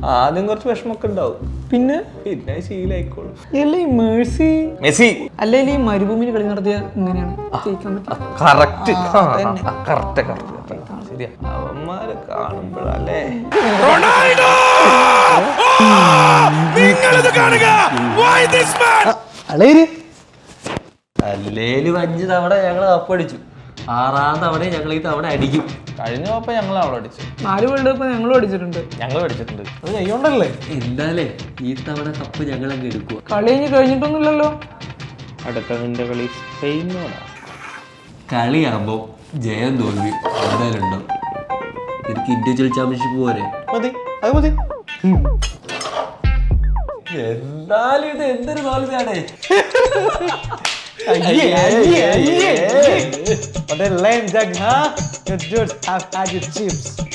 ആദ്യം കുറച്ച് വിഷമൊക്കെ ഉണ്ടാവും, പിന്നെ പിന്നെ ശീലായിക്കോളും. അല്ലേ മെഴ്സി മെസ്സി അല്ലെങ്കിൽ ഈ മരുഭൂമിയിൽ കളി നടത്തിയ ഇങ്ങനെയാണ് ജയിക്കാൻ പറ്റും. കറക്റ്റ് കറക്റ്റ് ശരിയാ. അവന്മാരെ കാണുമ്പോഴല്ലേ അല്ലേലും 5 തവണ ഞങ്ങൾ കപ്പടിച്ചു, 6ാം തവണ ഞങ്ങൾ ഈ തവണ അടിക്കും. കഴിഞ്ഞ പോയപ്പോ ഞങ്ങൾ അവിടെ അടിച്ചു, 4 വേൾഡ് കപ്പ് ഞങ്ങളും അടിച്ചിട്ടുണ്ട്. ഞങ്ങൾ അടിച്ചിട്ടുണ്ട്. അത് കൈകൊണ്ടല്ലേ. എന്താലേ ഈ തവണ കപ്പ് ഞങ്ങൾ അങ്ങ് എടുക്കുക. കളി കഴിഞ്ഞിട്ടൊന്നുമില്ലല്ലോ. അടുത്ത നിന്റെ കളി സ്പെയിനോടാ. കളിയാകുമ്പോ ജയം തോൽവി എന്തായാലും ഉണ്ടാവും. എനിക്ക് ഇൻഡിവിജ്വൽ ചാമ്പ്യൻഷിപ്പ് പോരെ. മതി, അത് മതി. എന്നാലും ഇത് എന്തൊരു തോൽവിയാണേ. But then lame jug, huh? Your dudes have had your chips.